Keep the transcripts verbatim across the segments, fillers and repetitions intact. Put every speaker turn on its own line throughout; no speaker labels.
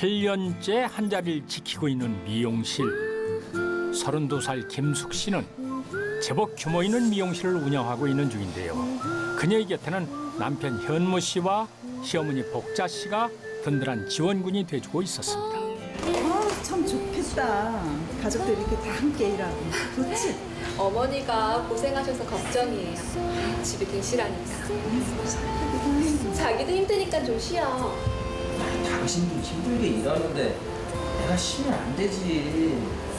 팔 년째 한 자리를 지키고 있는 미용실. 서른두 살 김숙 씨는 제법 규모 있는 미용실을 운영하고 있는 중인데요. 그녀의 곁에는 남편 현무 씨와 시어머니 복자 씨가 든든한 지원군이 돼주고 있었습니다.
아, 참 좋겠다. 가족들이 이렇게 다 함께 일하고. 좋지?
어머니가 고생하셔서 걱정이에요. 집이 계시라니까. 자기도 힘드니까 좀 쉬어.
당신도 힘들게 일하는데 내가 쉬면 안 되지.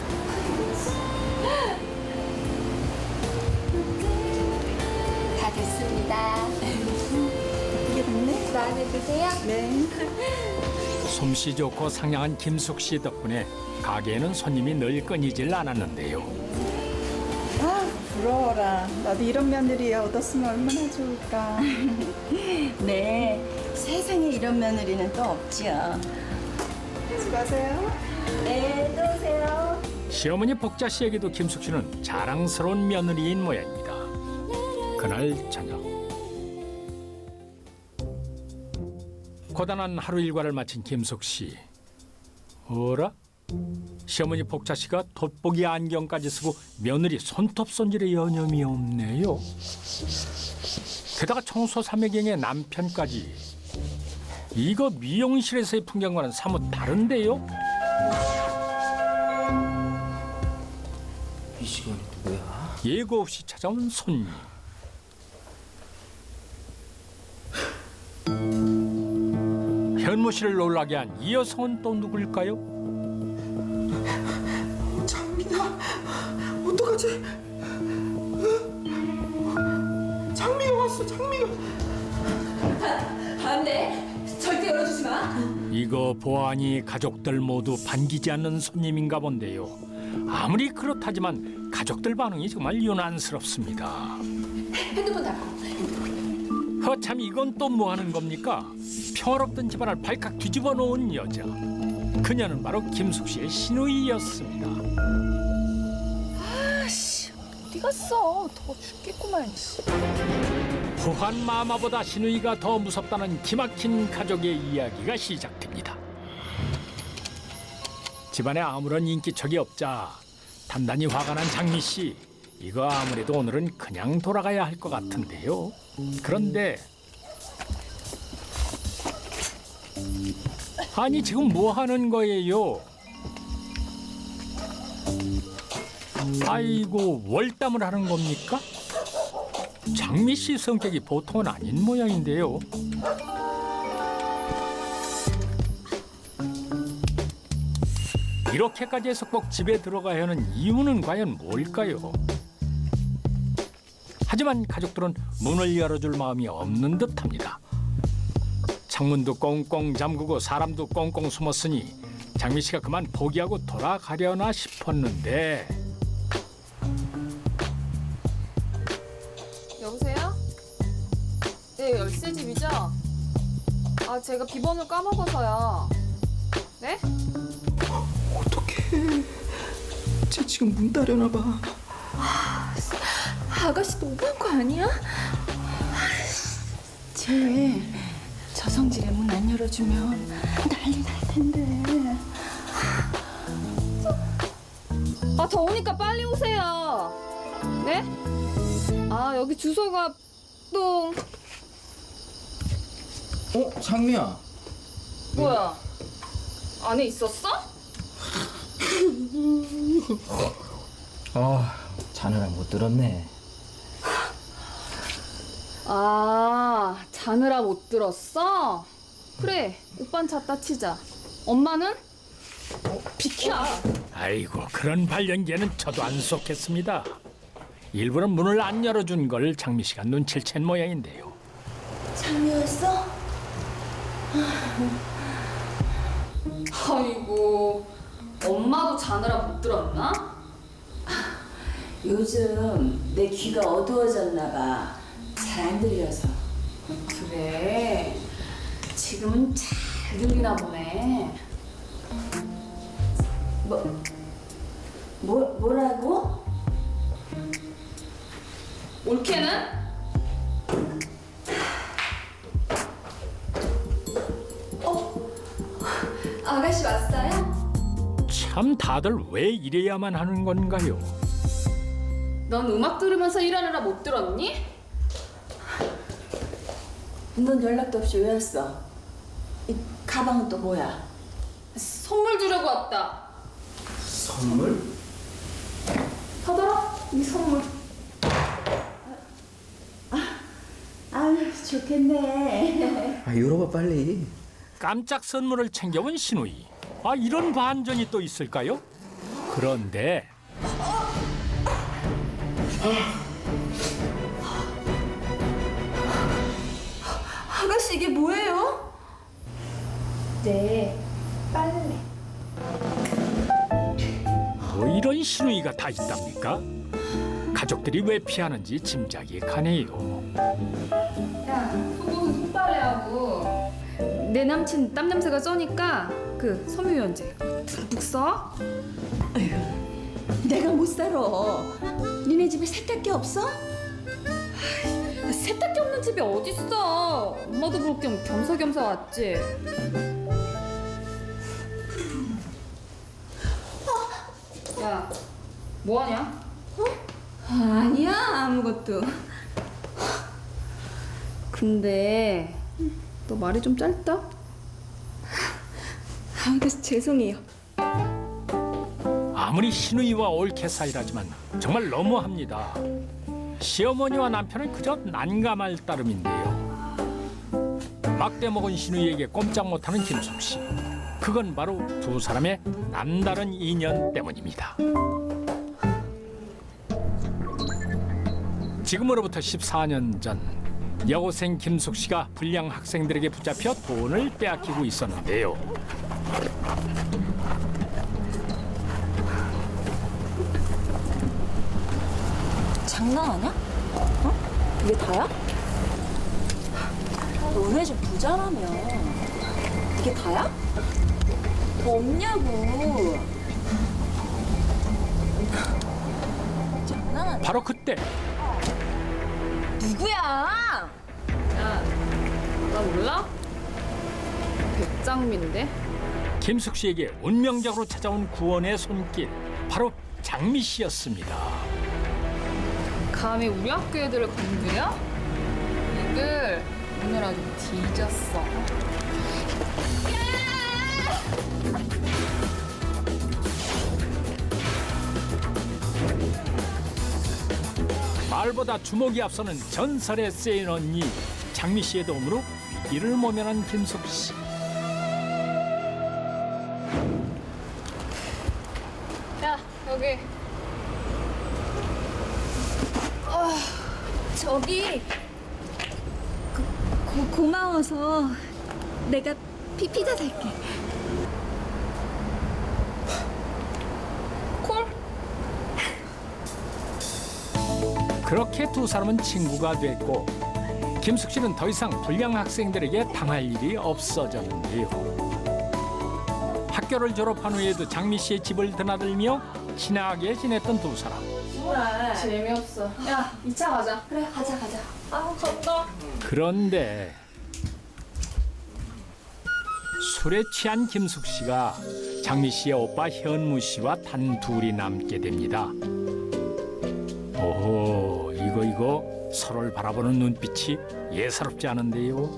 다 됐습니다.
이게 됐네?
마음에 드세요?
네.
솜씨 좋고 상냥한 김숙 씨 덕분에 가게에는 손님이 늘 끊이질 않았는데요.
아, 부러워라. 나도 이런 며느리 얻었으면 얼마나 좋을까.
네, 세상에 이런 며느리는 또 없지요.
수고하세요.
네, 또 오세요.
시어머니 복자 씨에게도 김숙 씨는 자랑스러운 며느리인 모양입니다. 그날 저녁 고단한 하루 일과를 마친 김숙 씨. 어라? 시어머니 복자 씨가 돋보기 안경까지 쓰고 며느리 손톱 손질에 여념이 없네요. 게다가 청소 삼매경의 남편까지. 이거 미용실에서의 풍경과는 사뭇 다른데요?
이 시간이 누구야?
예고 없이 찾아온 손님. 현무 씨를 놀라게 한 이 여성은 또 누굴까요?
장미다. 어떡하지? 장미가 왔어. 장미가.
안 돼. 절대 열어주지 마.
이거 보아하니 가족들 모두 반기지 않는 손님인가 본데요. 아무리 그렇다지만 가족들 반응이 정말 유난스럽습니다.
핸드폰 닫고.
허참 이건 또 뭐 하는 겁니까? 평화롭던 집안을 발칵 뒤집어 놓은 여자. 그녀는 바로 김숙 씨의 시누이였습니다.
아씨, 어디 갔어? 더워 죽겠구만.
후한 마마보다 시누이가 더 무섭다는 기막힌 가족의 이야기가 시작됩니다. 집안에 아무런 인기척이 없자 단단히 화가 난 장미 씨. 이거 아무래도 오늘은 그냥 돌아가야 할 것 같은데요. 그런데 아니 지금 뭐 하는 거예요? 아이고 월담을 하는 겁니까? 장미 씨 성격이 보통은 아닌 모양인데요. 이렇게까지 해서 꼭 집에 들어가야 하는 이유는 과연 뭘까요? 하지만 가족들은 문을 열어줄 마음이 없는 듯합니다. 창문도 꽁꽁 잠그고 사람도 꽁꽁 숨었으니 장미 씨가 그만 포기하고 돌아가려나 싶었는데
여보세요? 네, 열쇠집이죠? 아, 제가 비번을 까먹어서요. 네?
어떡해. 쟤 지금 문 따려나 봐.
아가씨 너무한 거 아니야? 쟤 저성질에 문 안 열어주면 난리 날 텐데.
아, 더우니까 빨리 오세요. 네? 아, 여기 주소가 또
어? 장미야.
뭐야? 안에 있었어?
아, 자느라 못 들었네.
아, 자느라 못 들었어? 그래, 오빤 찾다 치자. 엄마는? 어, 비켜.
아이고 그런 발연기에는 저도 안 속했습니다. 일부러 문을 안 열어준 걸 장미 씨가 눈치를 챈 모양인데요.
장미였어?
아이고, 엄마도 자느라 못 들었나?
요즘 내 귀가 어두워졌나 봐. 잘 안 들려서.
그래, 지금은 잘 들리나 보네.
뭐, 뭐 뭐라고?
올케는?
아가씨 왔어요?
참 다들 왜 이래야만 하는 건가요?
넌 음악 들으면서 일하느라 못 들었니?
넌 연락도 없이 왜 왔어? 이 가방은 또 뭐야?
선물 주려고 왔다.
선물?
받아라, 이 선물.
아유 좋겠네.
아, 열어봐 빨리.
깜짝 선물을 챙겨온 신우이. 아, 이런 반전이 또 있을까요? 그런데
아가씨 이게 뭐예요?
네, 빨래.
뭐 이런 신우이가 다 있답니까? 가족들이 왜 피하는지 짐작이 가네요.
야, 속옷은 손빨래하고 내 남친 땀 냄새가 쩌니까 그 섬유유연제 듬뿍 써.
내가 못 살아. 니네 집에 세탁기 없어?
세탁기 없는 집이 어딨어. 엄마도 볼 겸 겸사겸사 왔지. 야, 뭐하냐?
아니야 아무것도.
근데 너 말이 좀 짧다?
아가씨 죄송해요.
아무리 신우이와 옳게 사이라지만 정말 너무합니다. 시어머니와 남편은 그저 난감할 따름인데요. 막대 먹은 신우이에게 꼼짝 못하는 김숙 씨. 그건 바로 두 사람의 남다른 인연 때문입니다. 지금으로부터 십사 년 전 여고생 김숙 씨가 불량 학생들에게 붙잡혀 돈을 빼앗기고 있었는데요.
장난하냐? 어? 이게 다야? 너네 집 부자라며. 이게 다야? 더 없냐고. 장난하냐?
바로 그때
누구야?
야, 나 몰라? 백장미인데?
김숙 씨에게 운명적으로 찾아온 구원의 손길, 바로 장미 씨였습니다.
감히 우리 학교 애들을 건드려? 이들 오늘 아주 뒤졌어.
말보다 주먹이 앞서는 전설의 세인 언니 장미 씨의 도움으로 위기를 모면한 김숙 씨.
야, 여기.
저기 고, 고, 고마워서 내가 피, 피자 살게.
콜?
그렇게 두 사람은 친구가 됐고 김숙 씨는 더 이상 불량 학생들에게 당할 일이 없어졌는데요. 학교를 졸업한 후에도 장미 씨의 집을 드나들며 친하게 지냈던 두 사람.
재미없어. 야, 이 차 가자.
그래 가자 가자.
아, 간다.
그런데 술에 취한 김숙 씨가 장미 씨의 오빠 현무 씨와 단둘이 남게 됩니다. 오호, 이거 이거 서로를 바라보는 눈빛이 예사롭지 않은데요.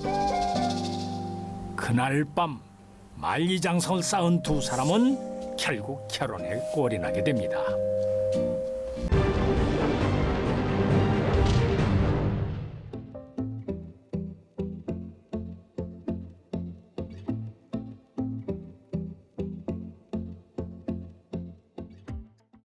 그날 밤 만리장성을 쌓은 두 사람은 결국 결혼에 꼴이 나게 됩니다.